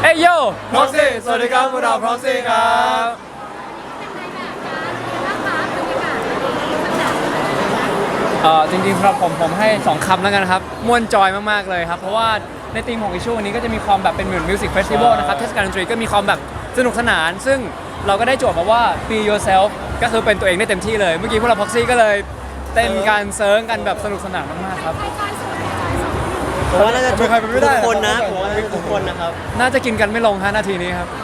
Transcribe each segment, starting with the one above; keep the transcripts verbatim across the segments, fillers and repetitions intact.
ฮ้ยโย่ Proxy สวัสดีครับพวกเรา Proxy ครับเอ่อจริงๆสำหรับผมผมให้สองคำแล้วกันครับม่วนจอยมากๆเลยครับเพราะว่าในธีมของอิชชูวันนี้ก็จะมีความแบบเป็นเหมือนมิวสิกเฟสติวัลนะครับเทศกาลดนตรีก็มีความแบบสนุกสนาน ซึ่งเราก็ได้โจทย์มาว่า be yourself ก็คือเป็นตัวเองได้เต็มที่เลยเมื่อกี้พวกเรา Proxy ก็เลยเต้นการเซิร์งกันแบบสนุกสนานมากๆครับผมว่าน่าจะทุกใครเป็นไม่ได้คนนะผมว่าทุกคนนะครับน่าจะกินกันไม่ลงฮะนาทีนี้ครับ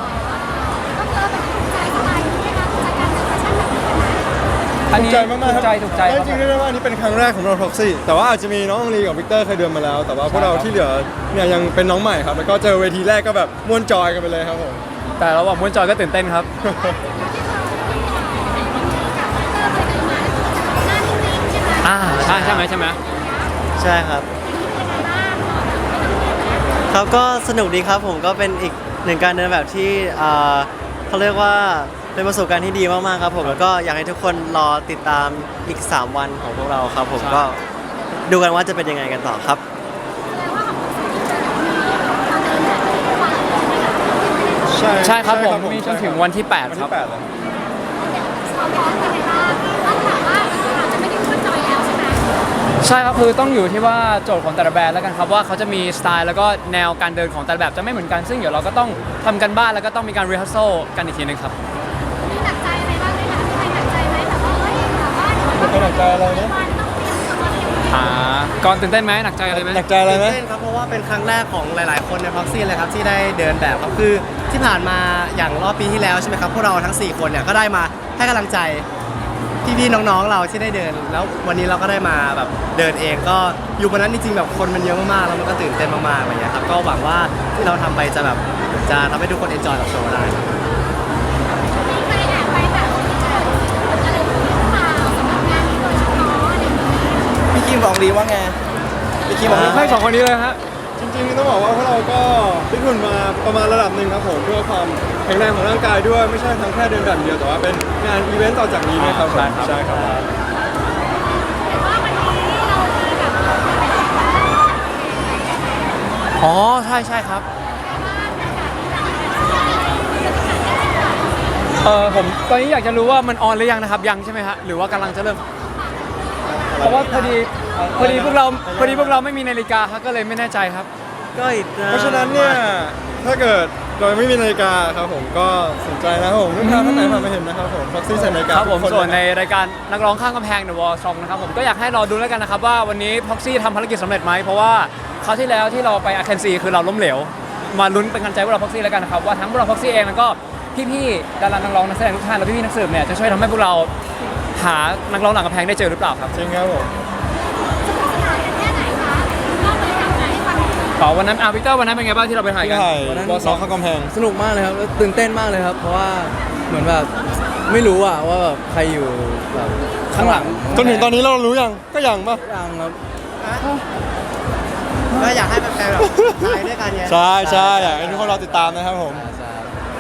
อันถูกนี้ใจมากๆถูกใจถูกใจจริงๆเรียกได้ว่าอันนี้เป็นครั้งแรกของเรา Proxy แต่ว่าอาจจะมีน้ององลีกับวิกเตอร์เคยเดินมาแล้ว แต่ว่าพวกเราที่เหลือเนี่ยยังเป็นน้องใหม่ครับแล้วก็เจอเวทีแรกก็แบบม่วนจอยกันไปเลยครับผมแต่ระหว่างม่วนจอยก็ตื่นเต้นครับอ่าใช่ใช่ไหมใช่ไหมใช่ครับครับก็สนุกดีครับผมก็เป็นอีกหนึ่งการเดินแบบที่เอ่อเขาเรียกว่าเป็นประสบการณ์ที่ดีมากๆครับผมแล้วก็อยากให้ทุกคนรอติดตามอีกสามวันของพวกเราครับผมก็ดูกันว่าจะเป็นยังไงกันต่อครับใช่ใช่ครับผมมีจนถึงวันที่แปดวันครัที่บแปดเลยใช่ครับคือต้องอยู่ที่ว่าโจทย์ของแต่ละแบรนด์แล้วกันครับว่าเขาจะมีสไตล์แล้วก็แนวการเดินของแต่ละแบบจะไม่เหมือนกันซึ่งเดี๋ยวเราก็ต้องทำกันบ้านแล้วก็ต้องมีการรีฮัสโซกันอีกทีนึงครับมีหนักใจอะไรบ้างไหมคะมีใครหนักใจไหมแบบว่าเฮ้ยแบบว่าเดี๋ยวไม่หนักใจอะไรนะวันต้องเตรียมตัวเตรียมอ่าก่อนตื่นเต้นไหมหนักใจอะไรไหมหนักใจอะไรไหมตื่นเต้นครับเพราะว่าเป็นครั้งแรกของหลาย ๆ คนใน Proxy เลยครับที่ได้เดินแบบครับคือที่ผ่านมาอย่างรอบปีที่แล้วใช่ไหมครับพวกเราทั้งสี่คนเนี่ยก็ได้มาให้กำลังใจพี่ ๆ น้อง ๆ เราที่ได้เดิน แล้ววันนี้เราก็ได้มาแบบเดินเองก็อยู่บนนั้นจริง ๆ แบบคนมันเยอะมาก ๆ แล้วมันก็ตื่นเต้นมาก ๆ อะไรอย่างเงี้ยครับก็หวังว่าที่เราทำไปจะแบบจะทำให้ทุกคนเอนจอยกับโชว์ได้มีใครแอบไปแบบอะไรพวกนี้หรือเปล่าสำหรับงานนี้โดยเฉพาะอะไรอย่างเงี้ยพี่คิมบอกดีว่าไงพี่คิมบอกให้สองคนนี้เลยฮะจริงๆต้องบอกว่าพวกเราก็ฟิตหุ่นมาประมาณระดับหนึ่งครับผมเพื่อความแข็งแรงของร่างกายด้วยไม่ใช่ทั้งแค่เดินแบบเดียวแต่ว่าเป็นงานอีเวนต์ต่อจากนี้ด้วยครับผมใช่ครับใช่ครับแต่ว่าวันนี้เรามีแบบอ๋อใช่ใช่ครับเออผมตอนนี้อยากจะรู้ว่ามันออนหรือยังนะครับยังใช่ไหมฮะหรือว่ากำลังจะเริ่มเพราะว่าพอดีพอดีพวกเราพอดีพวกเราไม่มีนาฬิกาครับก็เลยไม่แน่ใจครับก็อีกเพราะฉะนั้นเนี่ยถ้าเกิดเราไม่มีนาฬิกาครับผมก็สนใจนะครับผมลูกค้าท่านไหนผ่านมาเห็นนะครับผม Proxy ใส่นาฬิกาครับผมทุกส่วนเลยในนะรายการนักร้องข้างกำแพง The Wall Song นะครับผมก็อยากให้รอดูแล้วกันนะครับว่าวันนี้ Proxy ทำภารกิจสำเร็จไหมเพราะว่าคราวที่แล้วที่เราไปอาร์เคนซีคือเราล้มเหลวมาลุ้นเป็นกำลังใจพวกเรา Proxy แล้วกันนะครับว่าทั้งพวกเรา Proxy เองแล้วก็พี่ๆดารานักร้องนักแสดงทุกท่านและพี่ๆนักสืบเนี่ยจะช่วยทำให้พวกเราหานักร้องหลังกำแพงได้เจอหรือเปล่าครับจริงครับผมสนานกันแค่ไหนคะเล่าบรรยากาศไหนให้ฟังหน่อยต่อวันนั้นอาร์วิกเตอร์วันนั้นเป็นไงบ้างที่เราไปถ่ายที่กันถ่ายบอสซอกข้างกำแพงสนุกมากเลยครับแล้วตื่นเต้นมากเลยครับ เพราะว่าเหมือนแบบไม่รู้อะว่าแบบใครอยู่แบบข้างหลังจนถึงตอนนี้เรารู้ยังก็ยังปะยังครับก็อยากให้แฟนๆแบบไปด้วยกันไงใช่ใช่อยากให้ทุกคนรอติดตามนะครับผมใช่ครับ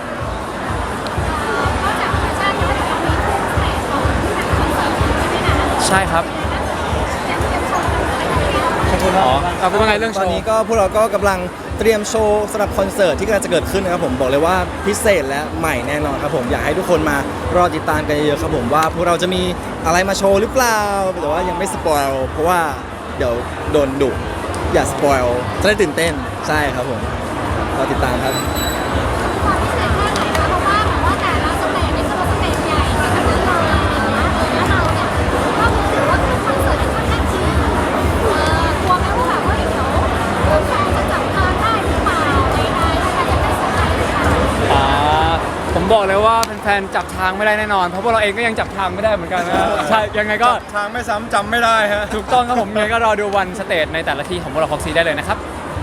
นอกจากแฟชั่นแล้วเดี๋ยวเรามีคู่แข่งของหนังคอนเสิร์ตใช่ไหมคะใช่ครับแต่เตรียมโชว์อะไรอย่างเงี้ยขอบคุณอ๋อมากเอาเป็นว่าไงเรื่องโชตอนว์นี้ก็พวกเราก็กำลังเตรียมโชว์สำหรับคอนเสิร์ตที่กำลังจะเกิดขึ้นนะครับผมบอกเลยว่าพิเศษและใหม่แน่นอนครับผมอยากให้ทุกคนมารอติดตามกันเยอะๆครับผมว่าพวกเราจะมีอะไรมาโชว์หรือเปล่าแต่ว่ายังไม่สปอยล์เพราะว่าเดี๋ยวโดนดุอย่าสปอยล์จะได้ตื่นเต้นใช่ครับผมรอติดตามครับความพิเศษแค่ไหนคะเพราะว่าแบบว่าแต่ละสเตจนี่คือสเตจใหญ่กันทั้งนั้นเลยแล้วเราเนี่ยก็ถือว่าเป็นคอนเสิร์ตที่ค่อนข้างจริงเออกลัวไหมว่าแบบว่าเดี๋ยวแฟนจะจับทางได้หรือเปล่าใดๆแล้วจะได้เซอร์ไพรส์หรือเปล่าอ่าผมบอกเลยว่าแฟนๆจับทางไม่ได้แน่นอน เพราะพวกเราเองก็ยังจับทางไม่ได้เหมือนกันนะใช่ยังไงก็ทางไม่ซ้ำจำไม่ได้ฮะถูกต้องครับผมยังไงก็รอดูวันสเตจในแต่ละที่ของพวกเรา Proxy ได้เลยนะครับ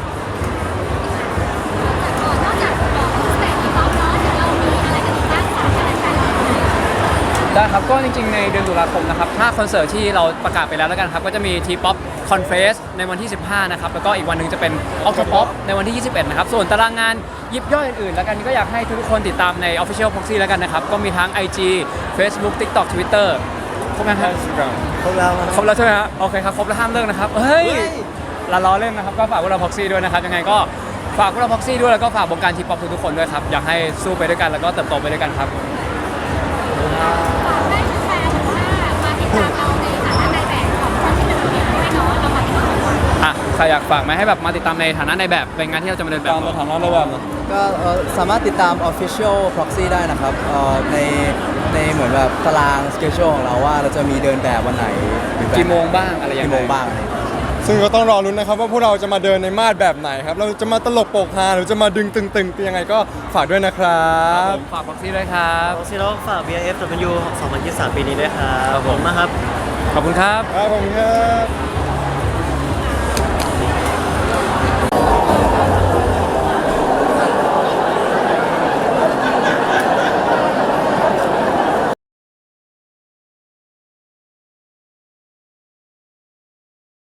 นอกจากบอกสเตจที่ป๊อปเนาะเดี๋ยวเรามีอะไรกันอีกบ้างฝากกันแฟนๆได้ครับก็จริงๆในเดือนตุลาคมนะครับถ้าคอนเสิร์ตที่เราประกาศไปแล้วแล้วกันครับก็จะมี T-pop Confess ในวันที่สิบห้านะครับแล้วก็อีกวันหนึ่งจะเป็น Octopop ในวันที่ยี่สิบเอ็ดนะครับส่วนตารางงานยิบย่อยอื่นๆแล้วกันก็อยากให้ทุกคนติดตามใน Official Proxy แล้วกันนะครับก็มีทั้ง ไอ จี Facebook TikTok Twitter ครบไหมครับพวกเราครบแล้วใช่ไหมฮะโอเคครับครบแล้วห้ามเลิกนะครับเฮ้ยละล้อเล่นนะครับก็ฝากพวกเรา Proxy ด้วยนะครับยังไงก็ฝากพวกเราพ็อกซี่ด้วยแล้วก็ฝากวงการทีป๊อปทุกๆคนด้วยครับอยากให้สู้ไปด้วยกันแล้วก็เติบโตไปด้วยกันครับฝากให้แฟนๆหรือว่ามาติดตามเราในฐานะนายแบบของคนที่เป็นตัวเองด้วยเนาะเรามาติดตามคนอ่ะใครอยากฝากไหมให้แบบมาติดตามในฐานะในแบบเป็นงานที่เราจะมาเดินแบบตามสถานะในแบบนะก็เอ่อสามารถติดตาม Official Proxy ได้นะครับเอ่อในในเหมือนแบบตาราง schedule ของเราว่าเราจะมีเดินแบบวันไหนหรือแบบกี่โมงบ้างอะไรยังไงกี่โมงบ้างอะไรอย่างเงี้ยซึ่งก็ต้องรอรุ้นนะครับว่าพวกเราจะมาเดินในมาดแบบไหนครับ เราจะมาตลกโปกฮาหรือจะมาดึงตึงๆยังไงก็ฝากด้วยนะครับผมฝากพ็อกซี่ด้วยครับซีโร่ฝาก บี ไอ เอฟ ดับเบิลยู สองพันยี่สิบสามปีนี้ด้วยครับครับผมนะครับขอบคุณครับครับผมครับ